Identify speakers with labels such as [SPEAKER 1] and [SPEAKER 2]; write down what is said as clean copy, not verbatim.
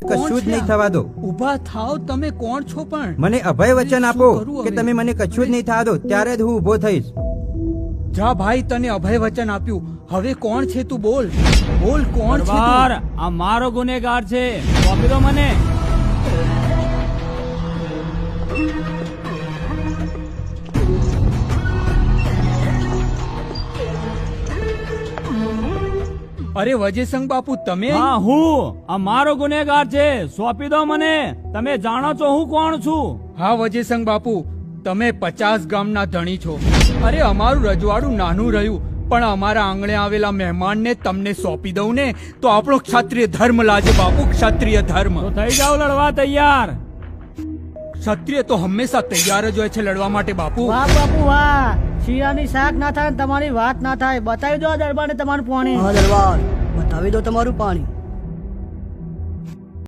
[SPEAKER 1] કશું જ નહીં થવા દો.
[SPEAKER 2] ઊભા થાવ. તમે કોણ છો પણ?
[SPEAKER 1] મને અભય વચન આપો
[SPEAKER 2] શું કરું
[SPEAKER 1] કે
[SPEAKER 2] હવે?
[SPEAKER 1] તમે મને કશું જ નહીં થવા દો, ત્યારે જ હું ઊભો થઈશ.
[SPEAKER 2] જા ભાઈ, તને અભય વચન આપ્યું. હવે કોણ છે તું? બોલ બોલ, કોણ છે
[SPEAKER 3] દરબાર,
[SPEAKER 2] તું?
[SPEAKER 3] આ મારો ગુનેગાર છે, સોંપી દો મને.
[SPEAKER 2] અરે વજયસંગ બાપુ, તમે?
[SPEAKER 3] હા, હું. આ મારો ગુનેગાર છે, સોંપી દો મને. તમે જાણો છો હું કોણ છું.
[SPEAKER 2] હા વજયસંગ બાપુ, તમે 50 ગામના ધણી છો. અરે અમારું રજવાડું નાનું રહ્યું, પણ અમારા આંગણે આવેલા મહેમાનને તમને સોંપી દઉં ને તો આપણો ક્ષત્રિય ધર્મ લાજે બાપુ, ક્ષત્રિય ધર્મ.
[SPEAKER 3] તો થઈ જાઓ લડવા તૈયાર.
[SPEAKER 2] ક્ષત્રિય તો હંમેશા તૈયાર જ હોય છે લડવા માટે બાપુ.
[SPEAKER 4] વાહ બાપુ વાહ, શિયાની શાક ના થાય ને તમારી વાત ના થાય. બતાવી દો આ દરબારને તમારું પાણી.
[SPEAKER 5] હા દરબાર, બતાવી દો તમારું પાણી.